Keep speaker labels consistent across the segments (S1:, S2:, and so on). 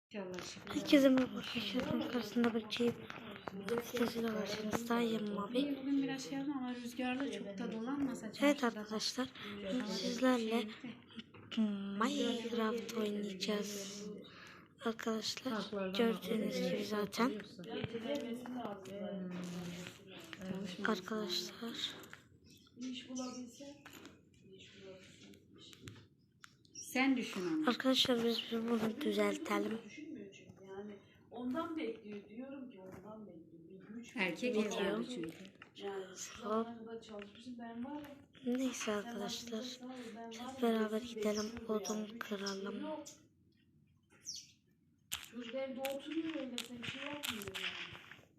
S1: Herkese merhaba arkadaşlar. Karşısında bakayım. Sesiyle karşınızdayım abi.
S2: Bugün biraz şey yapma ama rüzgarlı çok da dolanmasa.
S1: Evet arkadaşlar. Sizlerle Minecraft oynayacağız. Arkadaşlar gördüğünüz gibi zaten. Arkadaşlar.
S2: Sen düşün onu.
S1: Arkadaşlar biz bunu düzeltelim.
S3: Ondan bekliyor diyorum ki ondan bekliyor.
S2: Erkek evladı çünkü.
S1: Hop. Neyse arkadaşlar. Hep beraber gidelim. Odun kıralım.
S3: Çocuk evde oturuyor öyle bir şey yapmıyor yani.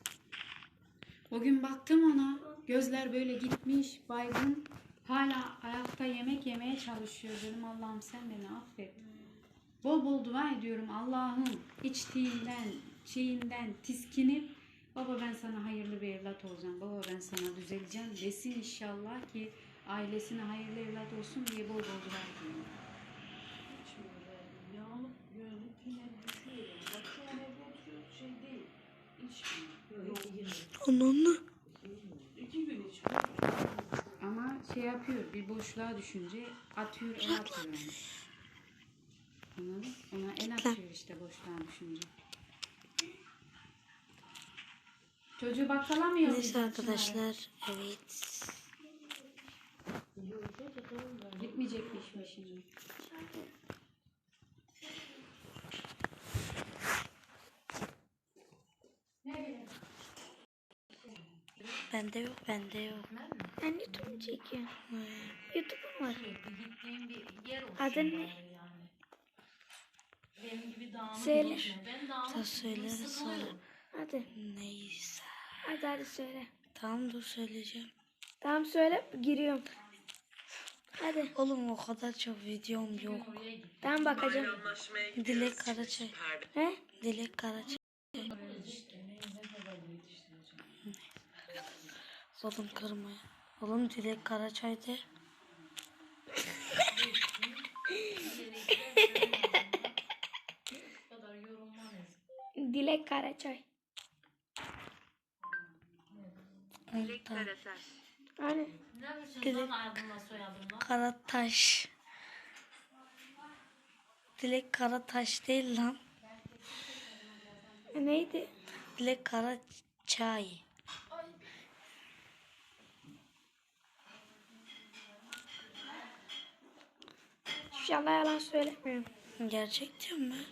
S2: O gün baktım ona. Gözler böyle gitmiş, baygın. Hala ayakta yemek yemeye çalışıyor. Dedim Allah'ım sen beni affet. Bol bol dua ediyorum Allah'ım. İçtiğinden, şeyinden tiskinip baba ben sana hayırlı bir evlat olacağım. Baba ben sana düzeleceğim desin inşallah ki ailesine hayırlı evlat olsun diye bol bol dua ediyorum.
S3: Yağlık gözlük yine düşüyor. Bak şu an evde oturuyor şey değil. İçmiyor.
S1: Onunla.
S3: 2 gün içmiyor.
S2: Ama şey yapıyor bir boşluğa düşünce atıyor el atıyor yani. Anladın? Ona el atıyor işte boşluğa düşünce. Çocuğu bakkalamıyor.
S1: Neyse arkadaşlar. Evet.
S2: Gitmeyecekmiş mi şimdi?
S1: Bende yok.
S4: Ben YouTube çekiyorum. YouTube'um var. Adın ne?
S3: Benim gibi dağınık
S4: Söyle.
S3: geçme. Ben dağınık
S1: Da söyleriz sonra.
S4: Hadi.
S1: Neyse.
S4: Hadi söyle.
S1: Tamam dur söyleyeceğim.
S4: Tamam söyle giriyorum. Hadi.
S1: Oğlum o kadar çok videom yok.
S4: Tamam bakacağım.
S1: Dilek Karaçay.
S4: He?
S1: Dilek Karaçay. Oğlum kırmaya. Oğlum Dilek Karaçay de.
S4: Dilek Karaçay.
S1: Dilek
S4: Hani?
S1: Dilek Karataş. Dilek Karataş değil lan.
S4: Neydi?
S1: Dilek Karaçay.
S4: İnşallah yalan söylemiyorum.
S1: Gerçek diyorum ben.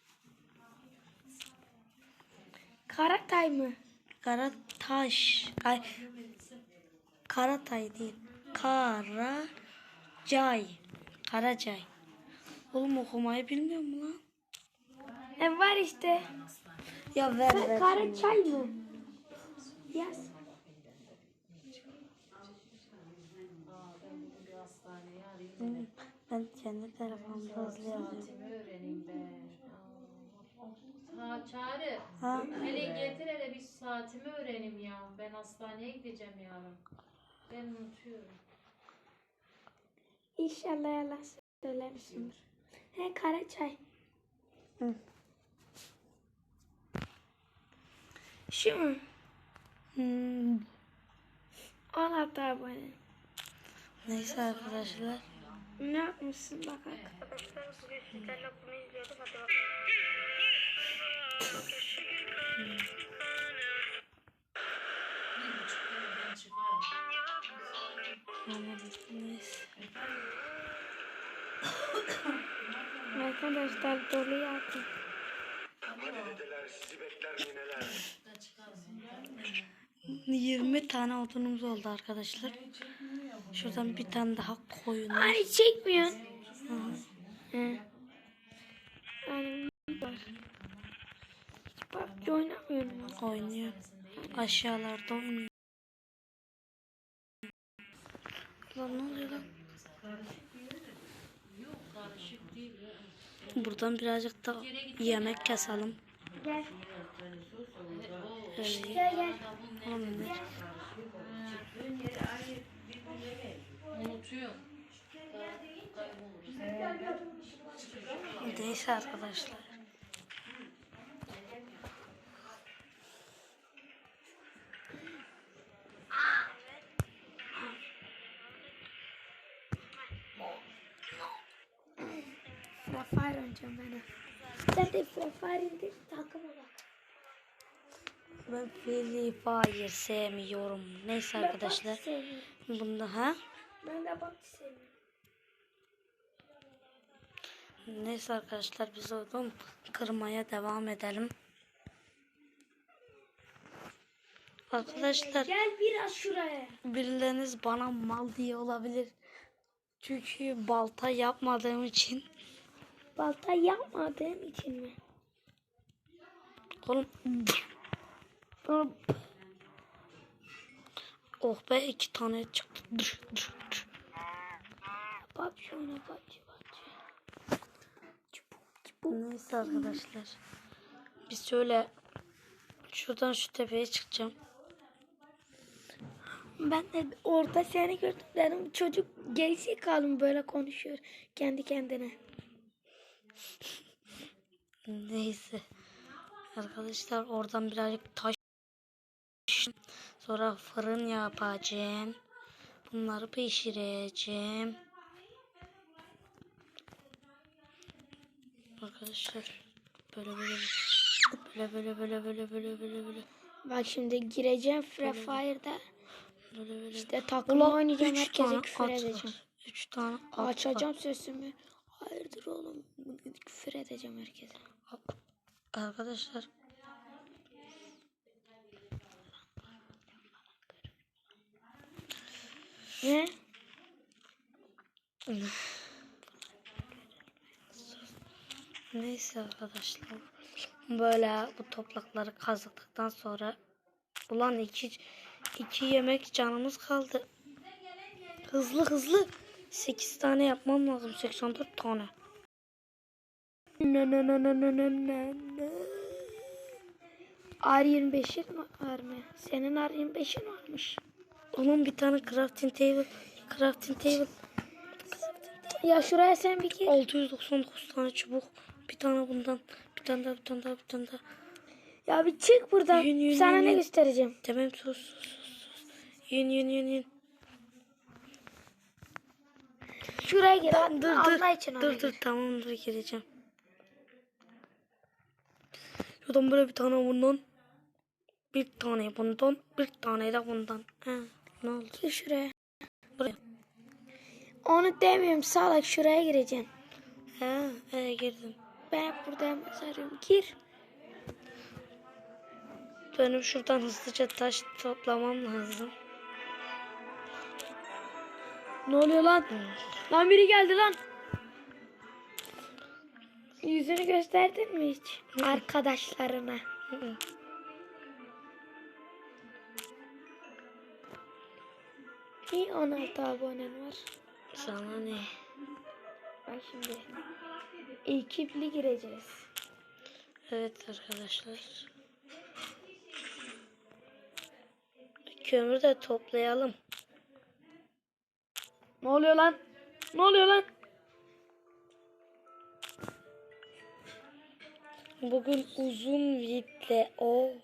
S4: Karatay mı?
S1: Karataş. Ay. Karatay değil. Karacay. Karacay. Oğlum okumayı bilmiyor mu lan?
S4: Var işte.
S1: Ya ver.
S4: Karaçay mı? Yaz.
S1: Ben kendi telefonumda hızlı yazıyorum.
S3: öğreneyim ben. Ha Çağrı.
S1: Ha?
S3: Hele getir hele bir saatimi öğreneyim ya. Ben hastaneye gideceğim yarın. Ben unutuyorum.
S4: İnşallah yalan söylemişimdir. Karaçay.
S1: Hı.
S4: Şu mu? 16 abone.
S1: Neyse arkadaşlar.
S4: Ne yapmışsın bakalım.
S1: Neyse.
S4: Arkadaşlar dolu yaptım.
S5: Dedeler sizi bekler mi neler?
S1: 20 tane odunumuz oldu arkadaşlar. Şuradan bir tane daha koyun.
S4: Hani çekmiyorsun. He. Yani var. Hiç PUBG oynamıyorum.
S1: Oynuyor. Aşağılarda oynuyor. Lan ne oluyor lan? Buradan birazcık da yemek keselim.
S4: Gel.
S1: Öyle.
S4: Gel.
S1: Oğlum ne?
S3: Unutuyorum.
S1: Neyse arkadaşlar.
S4: Free Fire oynayacağım ben. Sen de Free Fire indir takım ol.
S1: Ben Free Fire sevmiyorum. Neyse arkadaşlar.
S4: Ben sevmiyorum.
S1: Bunda ha?
S4: Ben de bak sevmiyorum.
S1: Neyse arkadaşlar biz odun kırmaya devam edelim. Arkadaşlar
S4: Gel biraz şuraya.
S1: birileriniz bana mal diye olabilir. Çünkü balta yapmadığım için.
S4: Balta yapmadığım için mi?
S1: Oğlum. Oh be 2 tane çıktı.
S4: Bak şuna bak.
S1: Neyse arkadaşlar. Biz şöyle şuradan şu tepeye çıkacağım.
S4: Ben de orada seni gördüm dedim. Çocuk gerizekalı mı böyle konuşuyor kendi kendine.
S1: Neyse. Arkadaşlar oradan birazcık taş sonra fırın yapacağım. Bunları pişireceğim. Arkadaşlar böyle.
S4: Bak şimdi gireceğim Free Fire'da.
S1: Böyle.
S4: İşte takım oynayacağım,
S1: Üç
S4: herkese
S1: tane
S4: küfür
S1: at
S4: edeceğim.
S1: var. 3 tane at var.
S4: Açacağım sesimi. Hayırdır oğlum, küfür edeceğim herkese.
S1: Arkadaşlar
S4: Ne?
S1: neyse arkadaşlar böyle bu toprakları kazdıktan sonra ulan iki yemek canımız kaldı. Hızlı 8 tane yapmam lazım, 84 tane.
S4: R25'in var mı? Senin R25'in varmış.
S1: Onun bir tane crafting table
S4: Ya şuraya sen bir gir.
S1: 699 tane çubuk, bir tane bundan, bir tane daha.
S4: Ya bir çık buradan.
S1: Yün,
S4: Sana ne
S1: yün.
S4: göstereceğim?
S1: Tamam sus. Yün.
S4: Şuraya gir. Allah için
S1: Dur tamam gireceğim. Şuradan böyle bir tane bundan. Bir tane bundan. Bir tane de bundan. Ne oldu?
S4: Gir şuraya.
S1: Buraya.
S4: Onu demiyorum salak, şuraya gireceğim.
S1: Girdim.
S4: Ben hep burada yalnız arıyorum. Gir.
S1: Benim şuradan hızlıca taş toplamam lazım.
S4: Ne oluyor lan? Lan biri geldi lan. Yüzünü gösterdin mi hiç? Arkadaşlarına. İyi 16 abonen var.
S1: Sana ne?
S4: Bak şimdi. Ekipli gireceğiz.
S1: Evet arkadaşlar. Kömür de toplayalım.
S4: Ne oluyor lan?
S1: Bugün uzun vidle kullanacağım.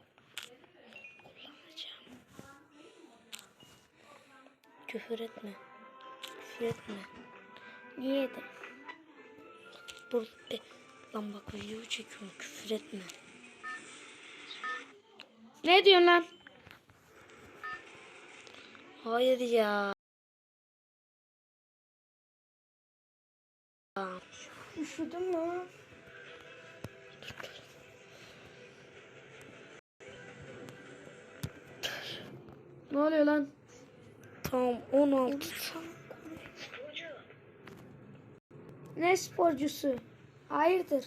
S1: Küfür etme.
S4: Niye de?
S1: Lan bak video çekiyorum, küfür etme.
S4: Ne diyorsun lan?
S1: Hayır ya.
S4: Üşüdün mü? Ne oluyor lan?
S1: Tamam 16.
S4: Ne sporcusu? Hayırdır?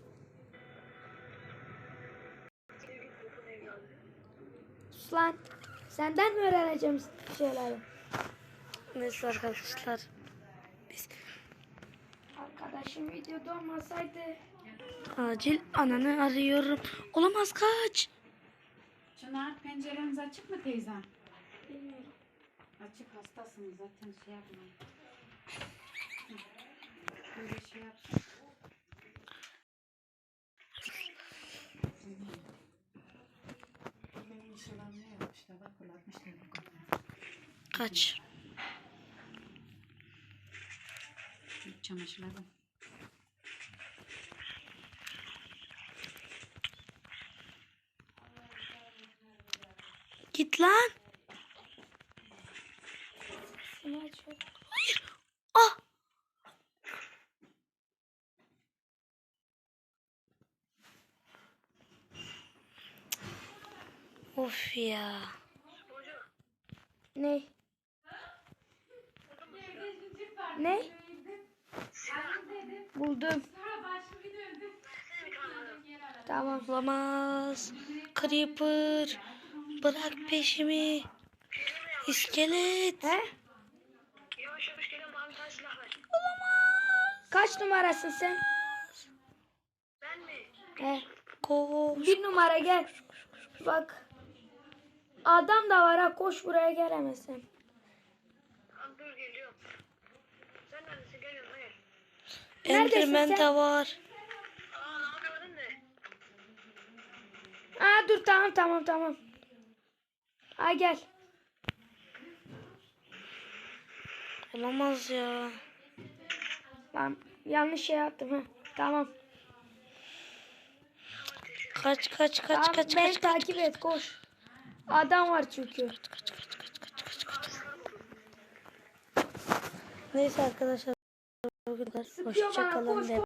S4: Sus lan. Senden mi öğreneceğim şeyleri?
S1: Neyse arkadaşlar.
S4: Arkadaşım videoda olmasaydı.
S1: Acil ananı arıyorum. Olamaz, kaç.
S2: Çınar, pencereniz açık mı teyzem?
S4: Bilmiyorum.
S2: Açık, hastasınız zaten, şey yapmayın. Böyle şey yapsın. Benim işalarım ne yapmışlar? Bak kullanmışlar.
S1: Kaç.
S2: Çamaşırlarım.
S1: Git lan.
S4: Bunu açıyorum.
S1: Ah. Of ya.
S4: Ne? Ne? Buldum. Tamam.
S1: Olamaz. Creeper. Bırak peşimi. İskelet.
S4: He?
S5: Yavaş yavaş geliyorum bana bir tane silah ver.
S4: Kaç numarasın sen?
S5: Ben mi?
S4: He.
S1: Koş.
S4: 1 numara gel. Bak. Adam da var ha, koş buraya gelemezsin.
S5: Tamam dur geliyorum. Sen neredesin? Geliyorum hayır.
S4: Neredesin
S1: Enderman
S4: sen?
S1: de var.
S5: Aa ne yapıyordun ne?
S4: Aa dur, tamam. Ha gel.
S1: Olamaz ya.
S4: Lan yanlış şey yaptım ha. Tamam.
S1: Kaç.
S4: Tamam, beni takip et, koş. Adam var çünkü.
S1: Neyse arkadaşlar. Hoşça
S4: bana,
S1: kalın.
S4: koş,